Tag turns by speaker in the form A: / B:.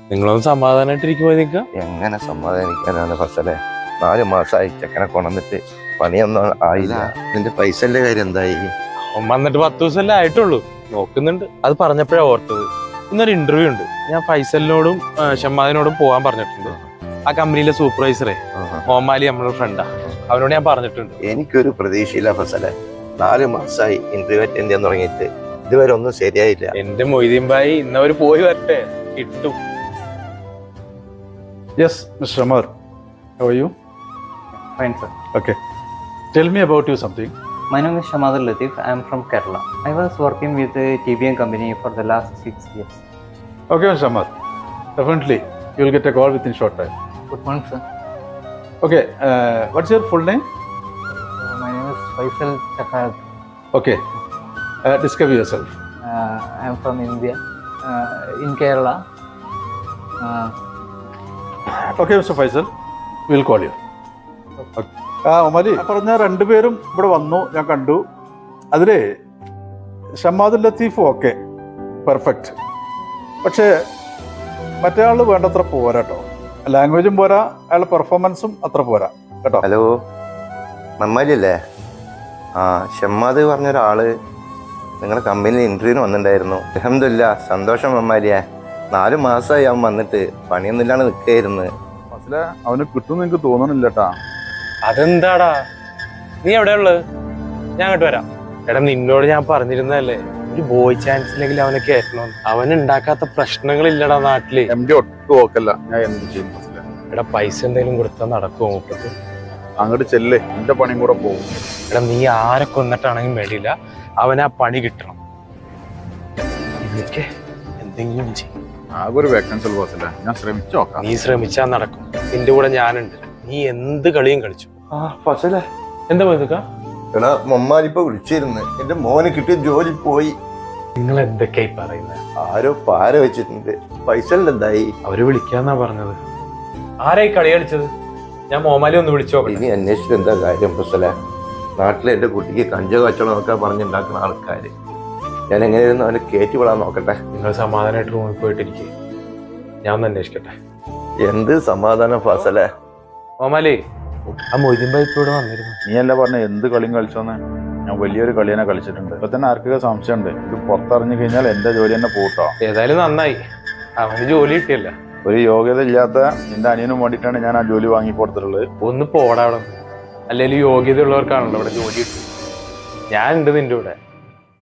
A: നിങ്ങളൊന്ന് സമാധാനായിട്ടിരിക്കുമ്പോ നിക്ക.
B: എങ്ങനെ സമാധാനിക്കാനാണ് ഫസലെ? 4 മാസമായി ചെക്കനെ കൊണ്ടുവന്നിട്ട് പണിയൊന്നും ആയില്ല. നിന്റെ പൈസന്റെ കാര്യം എന്തായി?
A: അവൻ വന്നിട്ട് 10 ദിവസമല്ലേ ആയിട്ടുള്ളൂ. നോക്കുന്നുണ്ട്. അത് പറഞ്ഞപ്പോഴാ ഓർത്തത്, ഇന്നൊരു ഇന്റർവ്യൂ ഉണ്ട്. ഞാൻ ഫൈസലിനോടും ഷമ്മാദിനോടും പോകാൻ പറഞ്ഞിട്ടുണ്ട്. ആ കമ്പനിയിലെ സൂപ്പർവൈസറെ മോമാലി നമ്മളെ ഫ്രണ്ടാ, അവനോട് ഞാൻ പറഞ്ഞിട്ടുണ്ട്.
B: എനിക്കൊരു പ്രതീക്ഷയില്ല ഫസലെ. 4 മാസമായി ഇന്റർവ്യൂ അറ്റൻഡ് ചെയ്യാൻ തുടങ്ങിയിട്ട് ഇതുവരെ ഒന്നും ശരിയായില്ല.
A: എന്റെ മൊയ്തീൻ ഭായി ഇന്നവര് പോയി വരട്ടെ, കിട്ടും.
C: Yes, Mr. Amar. How are you?
D: Fine, sir.
C: Okay. Tell me about you something.
D: My name is Shamadul Latif. I am from Kerala. I was working with a TBM company for the last 6 years.
C: Okay, Mr. Amar. Definitely, you will get a call within short time.
D: Good morning, sir.
C: Okay. What's your full name?
D: My name is Faisal Chakad.
C: Okay. Describe yourself.
D: I am from India, in Kerala.
C: Okay, Mr. Faisal. We will call you. ഒമാലി പറഞ്ഞ രണ്ടുപേരും ഇവിടെ വന്നു, ഞാൻ കണ്ടു. അതിൽ ഷമ്മാദുൽ Latheef okay, perfect. പക്ഷേ മറ്റേ ആൾ വേണ്ടത്ര പോരാ കേട്ടോ. ലാംഗ്വേജും പോരാ, അയാളുടെ പെർഫോമൻസും അത്ര പോരാ കേട്ടോ.
B: ഹലോ, മമ്മാലി അല്ലേ? ആ, ഷമ്മാദ് പറഞ്ഞൊരാള് നിങ്ങളുടെ കമ്പനിയിൽ ഇന്റർവ്യൂവിന് വന്നിട്ടുണ്ടായിരുന്നു. അൽഹംദുലില്ലാ, സന്തോഷം മമ്മാലിയെ. 4 മാസമായി അവൻ വന്നിട്ട് പണിയൊന്നും ഇല്ലാണ്ട് നിൽക്കുകയായിരുന്നു.
C: മനസ്സിലെ അവന് കിട്ടുമെന്ന് എനിക്ക് തോന്നണില്ല കേട്ടാ.
A: അതെന്താടാ, നീ എവിടെയുള്ളത്? ഞാൻ അങ്ങോട്ട് വരാം. എടാ, നിന്നോട് ഞാൻ പറഞ്ഞിരുന്നല്ലേ, ഒരു ബോയ് ചാൻസ് ഇല്ലെങ്കിൽ അവനെ കയറ്റണം. അവൻ ഉണ്ടാക്കാത്ത പ്രശ്നങ്ങളില്ലടാ നാട്ടില്.
C: എംഡി ഒട്ടും ഓക്കല്ല. ഞാൻ എന്ത് ചെയ്യും?
A: എടാ, പൈസ എന്തെങ്കിലും കൊടുത്താൽ നടക്കുമോ മുപ്പത്ത്?
C: അങ്ങോട്ട് ചെല്ലേ, എന്റെ പണിയും കൂടെ പോകും.
A: എടാ, നീ ആരെ കൊന്നിട്ടാണെങ്കിലും വേണ്ടിയില്ല, അവന് ആ പണി കിട്ടണം. ഇതൊക്കെ എന്തെങ്കിലും ചെയ്യും.
C: ആകെ ഒരു വേക്കൻസി ബോസില്ല, ഞാൻ ശ്രമിച്ചു നോക്കാം.
A: നീ ശ്രമിച്ചാൽ നടക്കും. നിന്റെ കൂടെ ഞാനുണ്ട്. നീ എന്ത് കളിയും കളിച്ചു.
B: ആ ഫസലെ,
A: എന്താ പോയതൊക്കെ?
B: എടാ, മമ്മാലിപ്പോ വിളിച്ചിരുന്നു. എന്റെ മോന് കിട്ടിയ ജോലി പോയി.
A: നിങ്ങൾ എന്തൊക്കെയായി പറയുന്നത്?
B: ആരോ പാര വെച്ചിട്ടുണ്ട്. പൈസന്റെ എന്തായി?
A: അവര് വിളിക്കാന്നാ പറഞ്ഞത്. ആരായി കളി കളിച്ചത്? ഞാൻ മോമാലി ഒന്ന് വിളിച്ചോ.
B: ഇനി അന്വേഷിച്ചിട്ട് എന്താ കാര്യം ഫസലെ? നാട്ടിലെ എന്റെ കുട്ടിക്ക് കഞ്ചോ കച്ചവടം നോക്കാൻ പറഞ്ഞുണ്ടാക്കുന്ന ആൾക്കാര്. ഞാൻ എങ്ങനെയായിരുന്നു അവനെ കയറ്റി വിടാൻ നോക്കട്ടെ.
A: നിങ്ങൾ സമാധാനമായിട്ട് റൂമിൽ പോയിട്ടിരിക്കും, ഞാൻ ഒന്ന് അന്വേഷിക്കട്ടെ.
B: എന്ത് സമാധാനം ഫസലെ?
A: മോമാലി, ആ മൊയ്തീൻ ഭായി ഇപ്പൊ ഇവിടെ വന്നിരുന്നു.
C: നീ അല്ല പറഞ്ഞ എന്ത് കളിയും കളിച്ചോന്ന്? ഞാൻ വലിയൊരു കളി തന്നെ കളിച്ചിട്ടുണ്ട്. ഇപ്പൊ തന്നെ ആർക്കൊക്കെ സംശയമുണ്ട്. ഇത് പുറത്തറിഞ്ഞു കഴിഞ്ഞാൽ എന്റെ ജോലി തന്നെ പോട്ടോ.
A: ഏതായാലും നന്നായി, അവന് ജോലി കിട്ടിയല്ല.
C: ഒരു യോഗ്യത ഇല്ലാത്ത നിന്റെ അനിയനും വേണ്ടിയിട്ടാണ് ഞാൻ ആ ജോലി വാങ്ങി കൊടുത്തിട്ടുള്ളത്.
A: ഒന്ന് പോടാ അവിടെ. അല്ലെങ്കിൽ യോഗ്യത ഉള്ളവർക്കാണല്ലോ ഇവിടെ ജോലി കിട്ടും. ഞാൻ ഉണ്ട് നിന്റെ കൂടെ.